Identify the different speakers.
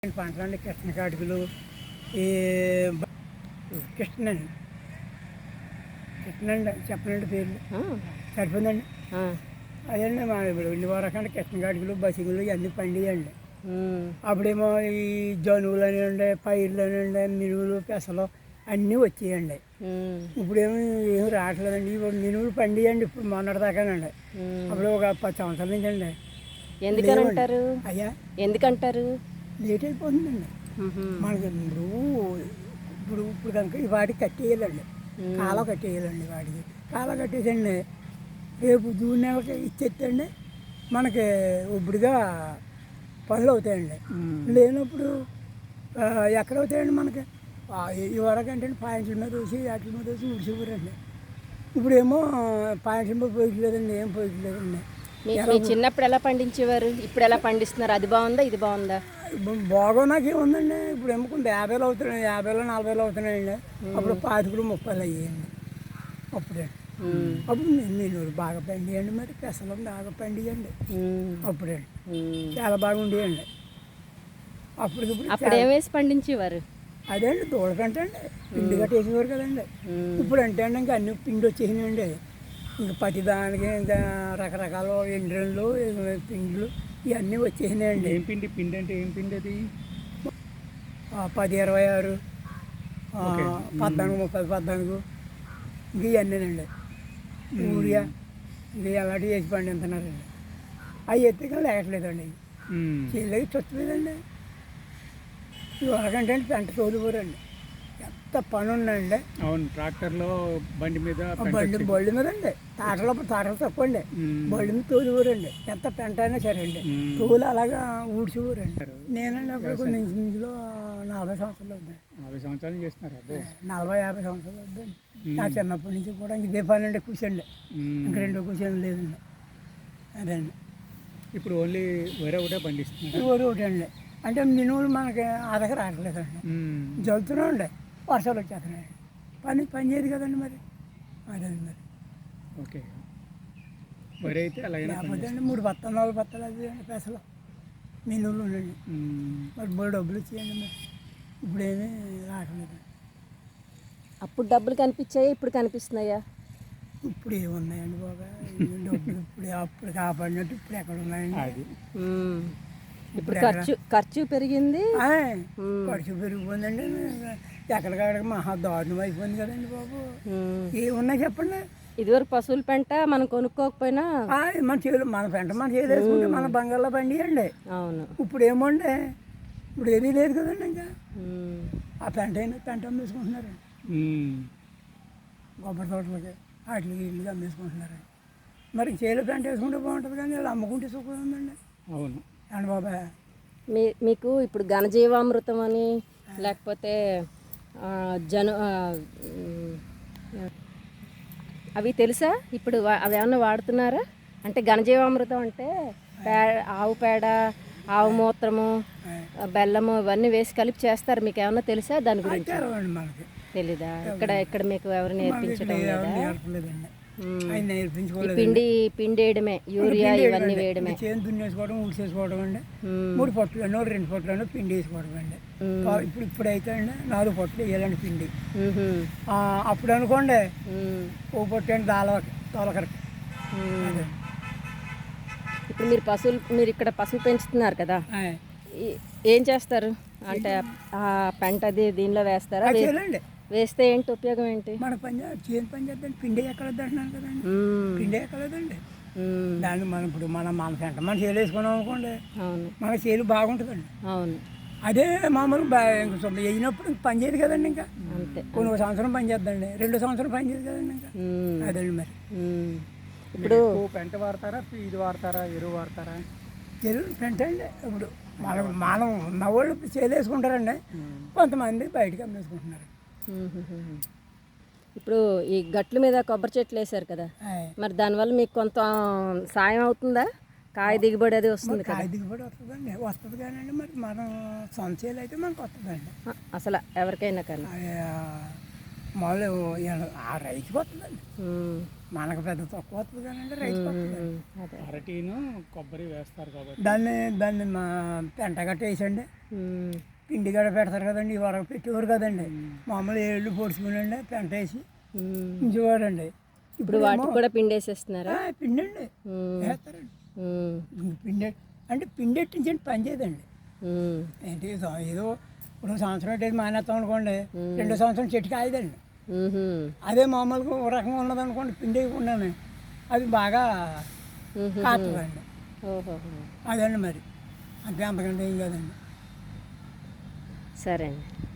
Speaker 1: పంటలండి కృష్ణ కాటుకలు ఈ కృష్ణండి కృష్ణండి చెప్పనండి పేర్లు సరిపోయిందండి. అదండి మా ఇప్పుడు ఇల్లు వరకంటే కృష్ణ కాటుకలు బసిగులు ఇవన్నీ పండియండి. అప్పుడేమో ఈ జనువులు అనండి పైర్లు అనండి మినువులు పెసలు అన్నీ వచ్చేయండి. ఇప్పుడేమో ఏమి రావట్లేదండి. ఇప్పుడు మినువులు పండియండి ఇప్పుడు మొన్నటిదాకానండి. అప్పుడు ఒక 10 సంవత్సరాల నుంచి అండి.
Speaker 2: ఎందుకంటారు?
Speaker 1: అయ్యా
Speaker 2: ఎందుకంటారు?
Speaker 1: లేట్ అయిపోతుందండి మనకి. ఇప్పుడు ఇప్పుడు కనుక ఈ వాటికి కట్టేయాలండి, కాల కట్టేయాలండి. వాటికి కాల కట్టేసండి రేపు జూన్ నెలకి ఇచ్చేస్తండి మనకి ఇప్పుడుగా పనులు అవుతాయండి. లేనప్పుడు ఎక్కడ అవుతాయండి మనకి? ఈ వరకంటే పాయింట్ల మీద వేసి వాటి మీద వేసి ఉడిచిపోరండి. ఇప్పుడేమో పాయింట్ల మీద పోయట్లేదండి, ఏం పోయట్లేదండి.
Speaker 2: మీ చిన్నప్పుడు ఎలా పండించేవారు, ఇప్పుడు ఎలా పండిస్తున్నారు? అది బాగుందా, ఇది బాగుందా?
Speaker 1: బాగా నాకేముందండి. ఇప్పుడు ఎమ్ముకుంటే 50 అవుతున్నాయి, 50 40 అవుతున్నాయండి. అప్పుడు 25 30 అయ్యాయండి. అప్పుడే అప్పుడు నేను బాగా పండియండి, మరి పెసలు బాగా పండియండి. అప్పుడండి చాలా బాగా ఉండేయండి.
Speaker 2: అప్పుడు ఏమేసి పండించేవారు?
Speaker 1: అదే అండి దూడకంటే అండి పిండి కట్టేసేవారు కదండి. ఇప్పుడు అంటే అండి ఇంకా అన్ని పిండి వచ్చేసినాయండి. ఇంకా ప్రతి దానికి ఇంకా రకరకాల ఎండ్రన్లు పిండిలు ఇవన్నీ వచ్చేసినాయండి.
Speaker 3: ఏం పిండి? పిండి అంటే ఏం పిండి అది?
Speaker 1: 10 26 14 30 14 ఇంక ఇవన్నీనండి. యూరియా ఇంక అలాంటివి వేసి పండిస్తున్నారండి. అవి ఎత్తుగా లేకట్లేదండి. చేయలేక చొచ్చలేదండి. ఇవరకంటే పెంట తోలిపోరండి. ఎంత పని ఉందండి.
Speaker 3: అవును, ట్రాక్టర్లో బండి మీద
Speaker 1: బళ్ళు మీద అండి. తాటలు తక్కువ అండి. బళ్ళు మీద తోలిపోరండి. ఎంత పెంట అయినా సరే అండి తోలు అలాగా ఊడ్చిపోరండి. నేనండి అప్పుడు కొన్ని ఇంచులో 40 సంవత్సరాలు అవుతుంది.
Speaker 3: 40 సంవత్సరాలు చేస్తున్నారు.
Speaker 1: 40 50 సంవత్సరాలు అవుతుంది. నా చిన్నప్పటి నుంచి కూడా ఇంక ఇదే పని అండి. కూర్చోండి, ఇంక రెండో కూర్చొని లేదండి. అదే అండి.
Speaker 3: ఇప్పుడు ఓన్లీ వేరే ఒకటే పండిస్తున్నారు.
Speaker 1: ఊరు ఒకటి అండి. అంటే మినువులు మనకి ఆదక రావట్లేదండి. జల్లుతూనే ఉండే వర్షాలు వచ్చేస్తున్నాయి. పని చేయదు కదండి మరి. అదండి మరి.
Speaker 3: ఓకే, వరి అయితే అలాగే
Speaker 1: లేకపోతే అండి 3 బత్తాలు 4 బత్తాలు అది అండి పెసలు మినువులు ఉండండి. మరి బోల్ డబ్బులు ఇచ్చేయండి. మరి ఇప్పుడేమీ రావట్లేదు.
Speaker 2: అప్పుడు డబ్బులు కనిపించాయా, ఇప్పుడు కనిపిస్తున్నాయా?
Speaker 1: ఇప్పుడు ఏమున్నాయండి బాగా డబ్బులు? ఇప్పుడు అప్పుడు కాపాడినట్టు ఇప్పుడు ఎక్కడ ఉన్నాయండి?
Speaker 2: ఇప్పుడు ఖర్చు పెరిగింది.
Speaker 1: ఖర్చు పెరిగిపోయిందండి. ఎక్కడికక్కడికి మహా దారుణం అయిపోయింది కదండి బాబు. ఏమున్నా చెప్పండి.
Speaker 2: ఇదివరకు పశువుల పెంట మనం కొనుక్కోకపోయినా
Speaker 1: మన పెంట మన చేలు వేసుకుంటే మన బంగాళలో పండియండి.
Speaker 2: అవును.
Speaker 1: ఇప్పుడు ఏమండే ఇప్పుడు ఏమీ లేదు కదండి. ఇంకా ఆ పెంట అయినా పెంట అమ్మేసుకుంటున్నారండి. కొబ్బరి తోటలకి వాటికి ఇల్లుగా అమ్మేసుకుంటున్నారండి. మరి చేలు పెంట వేసుకుంటే బాగుంటుంది కానీ వాళ్ళు అమ్ముకుంటే సుఖం ఉందండి.
Speaker 3: అవును
Speaker 1: అండి బాబా.
Speaker 2: మీకు ఇప్పుడు ఘనజీవామృతం అని లేకపోతే అవి తెలుసా? ఇప్పుడు అవి ఏమన్నా వాడుతున్నారా? అంటే ఘనజీవామృతం అంటే ఆవు పేడ, ఆవు మూత్రము, బెల్లము ఇవన్నీ వేసి కలిపి చేస్తారు. మీకు ఏమన్నా తెలుసా దాని గురించి? తెలీదా? ఇక్కడ మీకు ఎవరు నేర్పించడం లేదా? పిండి వేయడమే, యూరియా ఇవన్నీ వేయడమే.
Speaker 1: చేను దున్నేసుకోవడం, ఊడ్చేసుకోవడం అండి. 3 పొట్లను 2 పొట్లను పిండి వేసుకోవడం అండి. ఇప్పుడైతే అండి 4 పొట్లు వేయాలండి పిండి. అప్పుడు అనుకోండి ఓ పొట్టు అండి తోలకరకి.
Speaker 2: ఇప్పుడు మీరు ఇక్కడ పశువులు పెంచుతున్నారు కదా, ఏం చేస్తారు? అంటే ఆ పెంట అది దీనిలో వేస్తారా? వేస్తే ఏంటి ఉపయోగం? ఏంటి
Speaker 1: మన చేను పని చేద్దాం. పిండి ఎక్కడొద్దు అంటున్నాను కదండి. పిండి ఎక్కడదండి. దాన్ని మనం ఇప్పుడు మన పెంట మన చేలు వేసుకున్నాం అనుకోండి, మన చేలు బాగుంటుందండి.
Speaker 2: అవును.
Speaker 1: అదే మామూలు వేయినప్పుడు పని చేయదు కదండి. ఇంకా
Speaker 2: అంతే.
Speaker 1: కొన్ని సంవత్సరం పని చేద్దండి, 2 సంవత్సరం పని చేయదు కదండి. ఇంకా అదండి మరి.
Speaker 3: ఇప్పుడు పెంట వాడతారా, ఇది వాడతారా, ఎరువు వాడతారా?
Speaker 1: ఎరువు పెంట అండి. ఇప్పుడు మనం ఉన్నవాళ్ళు చేలు వేసుకుంటారండి, కొంతమంది బయటకు అమ్మేసుకుంటున్నారు.
Speaker 2: ఇప్పుడు ఈ గట్ల మీద కొబ్బరి చెట్లు వేసారు కదా, మరి దానివల్ల మీకు కొంత సాయం అవుతుందా? కాయ దిగుబడి అది వస్తుంది కదా?
Speaker 1: కాయ దిగుబడి వస్తుంది కానీ మరి మనం సొంత చేలు అయితే మనకు వస్తుందండి.
Speaker 2: అసలు ఎవరికైనా కానీ
Speaker 1: మామూలు ఆ రైతుకి వస్తుందండి. మనకు పెద్ద తక్కువ వస్తుంది కానండి రైతు వస్తుంది.
Speaker 2: అదే
Speaker 3: అరటిను కొబ్బరి వేస్తారు కాబట్టి
Speaker 1: దాన్ని మా పెంట గట్ట వేసండి,
Speaker 2: ఉమ్,
Speaker 1: పిండి గట్ట పెడతారు కదండి, వరకు పెట్టేవారు కదండి, మామూలు ఏళ్ళు పొడుచుకునండి పెంట వేసి
Speaker 2: ఉమ్.
Speaker 1: ఉంచేవారండి.
Speaker 2: ఇప్పుడు వాటికి కూడా పిండి వేసేస్తున్నారా?
Speaker 1: పిండి అండి
Speaker 2: ఉమ్,
Speaker 1: వేస్తారండి.
Speaker 2: ఉమ్,
Speaker 1: పిండి అంటే పిండి ఎట్టించండి పని చేయదండి.
Speaker 2: ఉమ్,
Speaker 1: ఏంటి ఏదో ఇప్పుడు సంవత్సరం అంటే మానేస్తాం అనుకోండి, 2వ సంవత్సరం చెట్టు కాయదండి.
Speaker 2: ఉహుం,
Speaker 1: అదే మామూలుగా ఒక రకంగా ఉన్నదనుకోండి పిండి వేయకుండానే అది బాగా
Speaker 2: ఉహుం.
Speaker 1: కాస్తుందండి.
Speaker 2: ఓహో,
Speaker 1: అదండి మరి అంతే, అంతకంటే ఏం కాదండి.
Speaker 2: సరే అండి.